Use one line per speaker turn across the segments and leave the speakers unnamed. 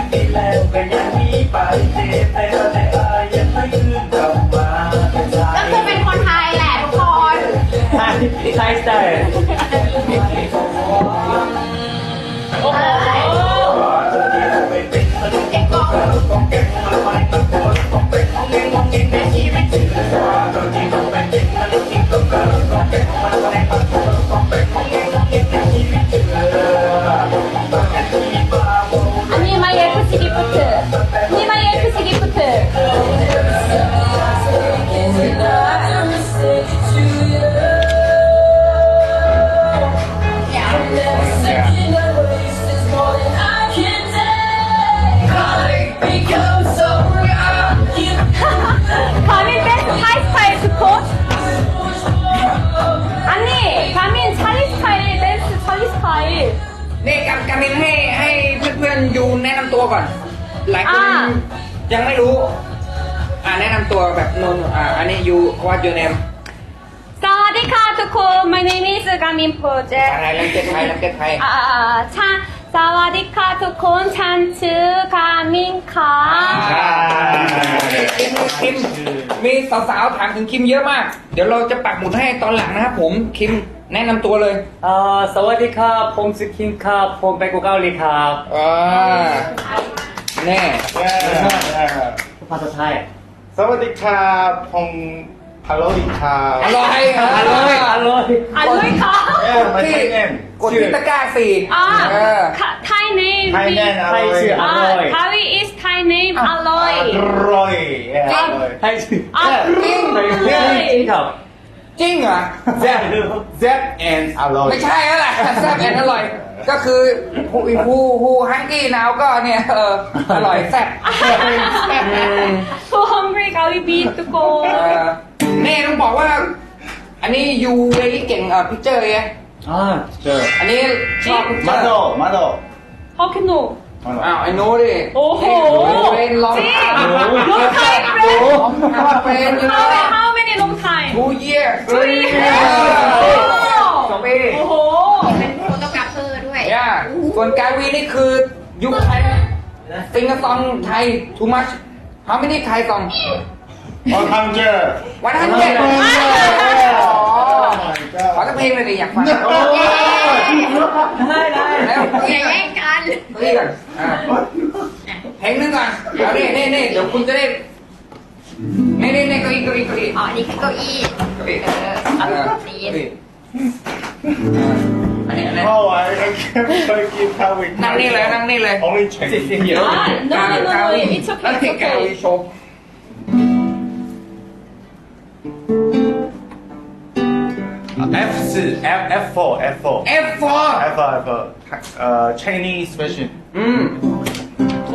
ก็คือเป็นคนไทยแหละทุกคน
ไทยสไตล์
นี่กามินให้เพื่อนๆยูแนะนำตัวก่อน หลายคนยังไม่รู้แนะนำตัวแบบนนอันนี้ยูว่ายูเนม
สวัสดีค่ะทุกคน my name is Gamin Project
อะไรลังเกตไทยลังเกตไทย
ฉันสวัสดีค่ะทุกคนฉันชื่อกามินค่ะ
คิมมีสาวๆถามถึงคิมเยอะมาก เดี๋ยวเราจะปักหมุดให้ตอนหลังนะครับผมคิมแนะนำตัวเลย
สวัสดีครับผมชื่อคิมครับผมเป็นคนเกาหลีครับ
แน่
ภาษาไทย
สวัสดีครับผมฮัลโหลดีครับ
อร่อย
อร่อยอร่อย
อร่อยค่ะ
ไม่ใช่เนม
กดที่ตะกร้าสี่
Thai name
ไทยแน่นอ
ไท
ร่อย
ยชื่ออร่อย
Thai is Thai name อร่อย
อร่อย
ไทยชื่อ
อร่อย
ครับ
จริงเหรอ
แซ่บแซ่บแอนอร่อย
ไม่ใช่แล้วแหละแซ่บแอนอร่อย ก็คือฮูฮังกี้นาวก็เนี่ยอร่อยแซ่บ
so hungry เกาหลีบีทุกคน
แน่ต้องบอกว่า อันนี้ยูเวลี่เก่งพิกเจอร์ไง
เจอ
อันนี้ชอบพิกเจอ
มา
ร์
โดมาโด
How can you
อ้าวไอ้โน้ดิ
โอ้โห
เป็นลอง
จริง
ทำ
long time
เป็นยู
how many long time
2 years สองปี
โอ้โห
เป็นโฟโตกราฟเฟอร์ด้วย
ย่าส่วนกาวีนี่คือยุคไทยซิงกะซองไทย too much how many ไทยซอง
100
วันนั้นเจ็ดขอสักเพลงเลยดิอยากฟัง
ได้ได้
แล้ว
อย่าแย่งกัน
นี่ก่อนเพลงนึงก่อนเอาดินี่เดี๋ยวคุณจะได้นี่เก้าอี้
อ๋อ นี่คือเก้าอี้
อันนี้
เพราะว่าเราเคยกินข้าวอีก
นั่งนี่เลย
only Chinese
no it's okay it's
กา
okay
วีโชว์
F4 F4 F4
F4
F4 Chinese version
โอ้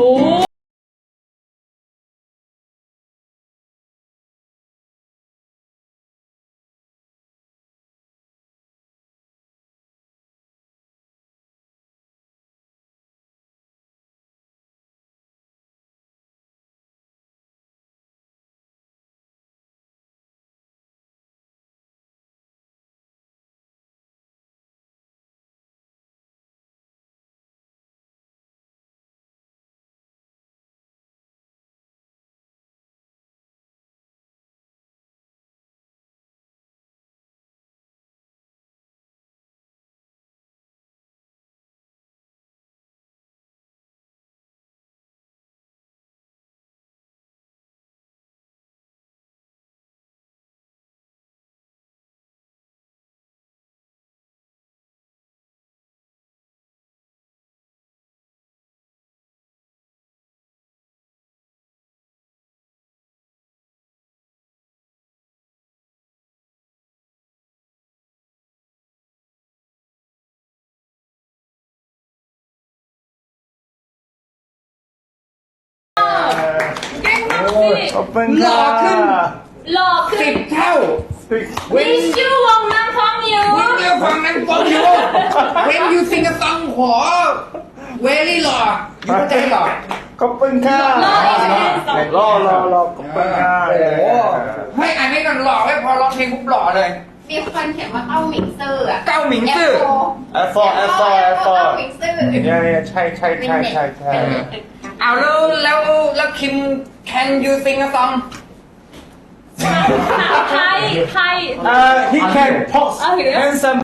เก่งมากสิ
ขอบคุณ
หล่อขึ้น
หล่อขึ้น
10 เท่า
วิชูวงน้ำพร้อมอยู่
วิ่งเร็วฟังนั้นฟังอยู่เว้นยูซิงกะซองขอเวลี่หล่อยูเข้าใจหล่อ
ขอบคุณค่ะ
หล่ออีกแล้ว
รอขอบคุณค่ะ
โอ้โหให้อันนี้ก่อนหล่อไม่พอร้องเพลงปุ๊บหล่อเลย
มีคนเขียนว่าเต้าหมิงซื่ออะ
เก้าหมิงซื่อ
F4
เต้าหมิงซื่อ
เนี่ยใช่ใช่
เอาแล้วคิม can you sing a song
ไทย
he can pose handsome